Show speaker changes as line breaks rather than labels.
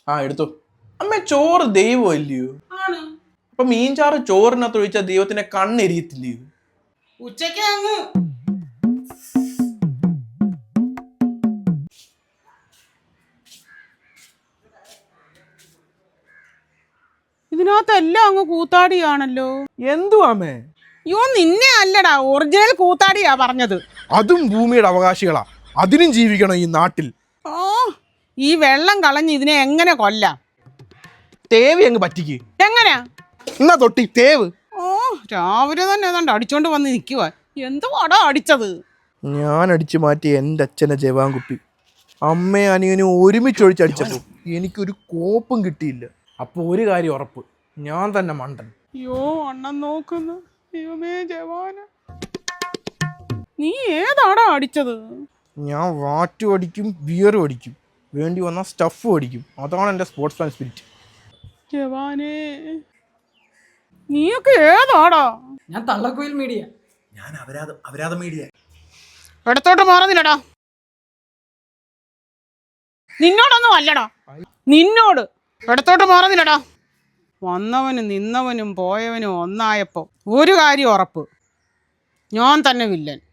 ആ എടുത്തു. അമ്മ ചോറ് ദൈവം അല്ലയോ? അപ്പൊ മീൻചാറ് ചോറിനകത്ത് ഒഴിച്ചാൽ ദൈവത്തിന്റെ കണ്ണെരിയത്തില്ലയോ?
ഉച്ചക്ക് അങ്ങ് ഇതിനകത്തെല്ലാം അങ്ങ് കൂത്താടിയാണല്ലോ.
എന്തുവാമേ?
യോ നിന്നെ അല്ലടാ, ഒറിജിനൽ കൂത്താടിയാ പറഞ്ഞത്.
അതും ഭൂമിയുടെ അവകാശികളാ, അതിനും ജീവിക്കണം ഈ നാട്ടിൽ.
ഓ, ഈ വെള്ളം കളഞ്ഞ് ഇതിനെ എങ്ങനെ കൊല്ലാം?
തേവി അങ്ങ് പറ്റിക്ക്.
എങ്ങനെയാ?
എന്നാ തൊട്ടി തേവ്.
ഓ, രാവിലെ തന്നെ ഏതാണ്ട് അടിച്ചോണ്ട് വന്ന് നിൽക്കുക. എന്തുവാടാ അടിച്ചത്?
ഞാൻ അടിച്ചു മാറ്റി എൻ്റെ അച്ഛനെ ജവാൻകുപ്പി. അമ്മയും അനിയനും ഒരുമിച്ചൊഴിച്ചടിച്ചപ്പോൾ എനിക്കൊരു കോപ്പും കിട്ടിയില്ല. അപ്പോൾ ഒരു കാര്യം ഉറപ്പ്, ഞാൻ തന്നെ മണ്ടൻ.
അയ്യോ അണ്ണൻ നോക്കുന്നു. ദൈവമേ ജവാന, നീ ഏതാടാ അടിച്ചത്?
ഞാൻ വാറ്റും അടിക്കും, ബിയറും അടിക്കും, വേണ്ടി വന്ന സ്റ്റഫും അടിക്കും. അതാണ് എൻ്റെ സ്പോർട്സ്മാൻ സ്പിരിറ്റ്.
ജവാനേ, നീയൊക്കെ ഏതാടാ?
ഞാൻ തള്ളക്കോയിൽ മീഡിയ.
ഞാൻ അപരാധ മീഡിയ.
ഇടത്തോട്ട് മാറുന്നില്ലടാ. നിന്നോടൊന്നും അല്ലടാ, നിന്നോട്. ഇടത്തോട്ട് മാറുന്നില്ലടാ. വന്നവനും നിന്നവനും പോയവനും ഒന്നായപ്പോ ഒരു കാര്യം ഉറപ്പ്, ഞാൻ തന്നെ വില്ലൻ.